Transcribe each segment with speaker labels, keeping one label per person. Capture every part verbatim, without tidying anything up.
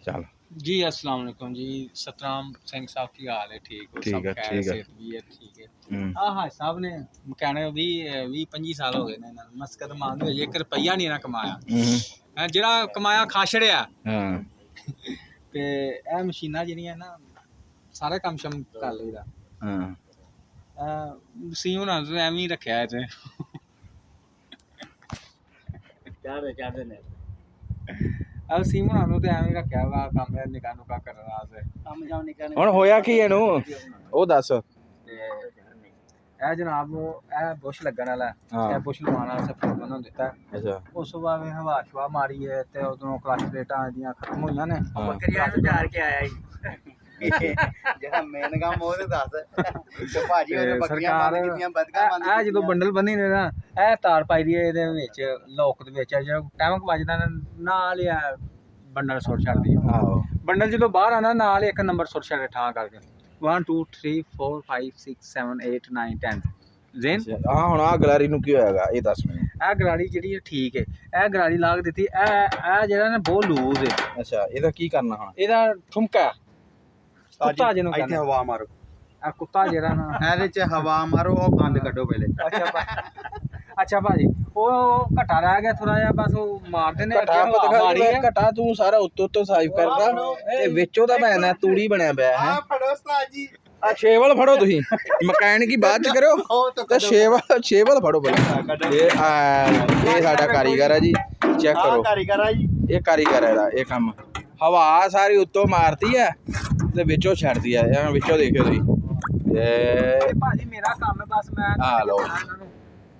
Speaker 1: ਚੱਲ
Speaker 2: जी अस्सलाम वालेकुम जी। सतराम सिंह साहब की हाल है? ठीक हो?
Speaker 1: ठीक
Speaker 2: सब
Speaker 1: है,
Speaker 2: खैर
Speaker 1: ठीक है।
Speaker 2: सेहत भी है? ठीक है।
Speaker 1: हम्म,
Speaker 2: हाँ हाँ साहब ने कहने भी भी पंजी साल हो गए ने मस्कत मांग होई एक रुपया नहीं ना कमाया
Speaker 1: हम्म,
Speaker 2: है जेड़ा कमाया खा छड़िया
Speaker 1: हाँ
Speaker 2: ते ए मशीनां जेहड़ियां ना सारा काम शम कर लईदा
Speaker 1: हाँ
Speaker 2: सी हुना तो एवें ही रखया है ते
Speaker 3: क्या दे क्या देने
Speaker 2: अब सी हुना नु ते एवें ही रखया वा काम निका नुका करन वास्ते
Speaker 3: ਕੰਮ ਜਾਉ ਨਿਕਲਣੇ
Speaker 1: ਹੁਣ ਹੋਇਆ ਕੀ ਇਹਨੂੰ ਉਹ ਦੱਸ।
Speaker 2: ਇਹ ਜਨਾਬ ਇਹ ਬੁਸ਼ ਲੱਗਣ ਵਾਲਾ
Speaker 1: ਹਾਂ।
Speaker 2: ਇਹ ਬੁਸ਼ ਲਵਾਉਣ ਵਾਲਾ ਸਭ ਮੈਨੂੰ ਦਿੱਤਾ
Speaker 1: ਅੱਛਾ
Speaker 2: ਉਸ ਤੋਂ ਬਾਅਦ ਹਵਾ ਸ਼ਵਾ ਮਾਰੀ ਹੈ ਤੇ ਉਦੋਂ ਕਲਚ ਪਲੇਟਾਂ ਇਹਦੀਆਂ ਖਤਮ ਹੋਈਆਂ ਨੇ
Speaker 1: ਹਾਂ।
Speaker 3: ਬੱਕਰੀਆਂ ਨੂੰ ਝਾੜ ਕੇ ਆਇਆ ਜੀ ਜਿਹੜਾ ਮੇਨ ਕੰਮ ਉਹ ਤੇ ਦੱਸ ਤੇ ਭਾਜੀ ਉਹਨੇ
Speaker 2: ਤੇ
Speaker 3: ਬੱਕਰੀਆਂ
Speaker 2: ਸਰਕਾਰ
Speaker 3: ਬੰਦ ਕੀਤੀਆਂ ਬਦਕਾਂ ਬੰਦ
Speaker 2: ਇਹ ਜਦੋਂ ਬੰਡਲ ਬੰਨੀ ਨੇ ਨਾ ਇਹ ਤਾਰ ਪਾਈ ਦੀ ਹੈ ਇਹਦੇ ਵਿੱਚ ਲੋਕ ਦੇ ਵਿੱਚ ਜਿਹੜਾ ਟਾਈਮ ਵੱਜਦਾ ਨਾ ਨਾਲ ਹੀ ਇਹ ਬੰਡਲ ਸੁੱਟ ਛੱਡਦੀ ਹੈ
Speaker 1: ਆਹੋ
Speaker 2: ਬੰਡਲ ਜਦੋਂ ਬਾਹਰ ਆਣਾ ਨਾਲ ਹੀ ਇੱਕ ਨੰਬਰ ਸੁੱਟ ਛੱਡੇ ਠਾਂ ਕਰਕੇ one two three four five six seven eight nine ten ਜ਼ੇਨ
Speaker 1: ਹਾਂ ਹੁਣ ਆ ਗਲਾਰੀ ਨੂੰ ਕੀ ਹੋਇਆਗਾ ਇਹ ਦੱਸ ਮੈਨੂੰ।
Speaker 2: ਇਹ ਗਰਾੜੀ ਜਿਹੜੀ ਹੈ ਠੀਕ ਹੈ ਇਹ ਗਰਾੜੀ ਲਾ ਕੇ ਦਿੱਤੀ ਇਹ ਇਹ ਜਿਹੜਾ ਨਾ ਬਹੁਤ ਲੂਜ਼ ਹੈ
Speaker 1: ਅੱਛਾ ਇਹਦਾ ਕੀ ਕਰਨਾ ਹੁਣ?
Speaker 2: ਇਹਦਾ ਠੁਮਕਾ ਕੁੱਤਾ ਜਿਹਨੂੰ
Speaker 3: ਇੱਥੇ
Speaker 2: ਕਹਿੰਦੇ
Speaker 3: ਹਵਾ ਮਾਰੋ
Speaker 2: ਆ ਕੁੱਤਾ ਜਿਹੜਾ ਨਾ
Speaker 3: ਇਹਦੇ ਚ ਹਵਾ ਮਾਰੋ ਉਹ ਬੰਦ ਕੱਢੋ ਪਹਿਲੇ
Speaker 2: ਅੱਛਾ ਭਾ- ਅੱਛਾ ਭਾਜੀ ਉਹ ਘਟਾ ਰਹਿ ਗਿਆ ਥੋੜਾ ਜਿਹਾ ਬਸ ਉਹ ਮਾਰਦੇ ਨੇ
Speaker 1: ਘਟਾ
Speaker 2: ਅੱਗੇ ਹਵਾ ਮਾਰੀ ਹੈ
Speaker 1: ਘਟਾ ਤੂੰ ਸਾਰਾ ਉੱਤੋਂ ਉੱਤੋਂ ਸਾਈਫ ਕਰਦਾ ਤੇ ਵਿੱਚੋਂ ਦਾ ਭੈਣਾ ਤੂੜੀ ਬਣਿਆ ਪਿਆ ਹੈ।
Speaker 3: ਫੜੋ ਉਸਤਾਦ ਜੀ
Speaker 1: ਆ ਛੇਵਲ ਫੜੋ ਤੁਸੀਂ ਮਕੈਨਿਕੀ ਬਾਅਦ ਚ ਕਰਿਓ ਤੇ ਛੇਵਲ ਛੇਵਲ ਫੜੋ ਪਹਿਲਾਂ। ਇਹ ਆ ਇਹ ਸਾਡਾ ਕਾਰੀਗਰ ਹੈ ਜੀ ਚੈੱਕ ਕਰੋ
Speaker 3: ਕਾਰੀਗਰ ਆ ਜੀ
Speaker 1: ਇਹ ਕਾਰੀਗਰ ਹੈ ਇਹਦਾ ਇਹ ਕੰਮ ਹਵਾ ਸਾਰੀ ਉੱਤੋਂ ਮਾਰਦੀ ਹੈ ਤੇ ਵਿੱਚੋਂ ਛੱਡਦੀ ਹੈ ਇਹ ਵਿੱਚੋਂ ਦੇਖਿਓ ਤੁਸੀਂ ਇਹ
Speaker 2: ਇਹ ਭਾਜੀ ਮੇਰਾ ਕੰਮ ਹੈ ਬਸ ਮੈਂ
Speaker 1: ਆ ਲਓ।
Speaker 2: ਇਹਨਾਂ ਨੂੰ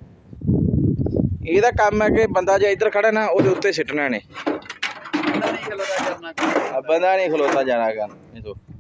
Speaker 1: ਇਹਦਾ ਕੰਮ ਹੈ ਕਿ ਬੰਦਾ ਜੇ ਇੱਧਰ ਖੜਾ ਨਾ ਉਹਦੇ ਉੱਤੇ ਸਿੱਟਣਾ ਨੇ
Speaker 3: ਨਹੀਂ ਖਲੋਦਾ ਕਰਨਾ
Speaker 1: ਬੰਦਾ ਨਹੀਂ ਖਲੋਤਾ ਜਾਣਾ ਕਰ ਇਹ ਤੋਂ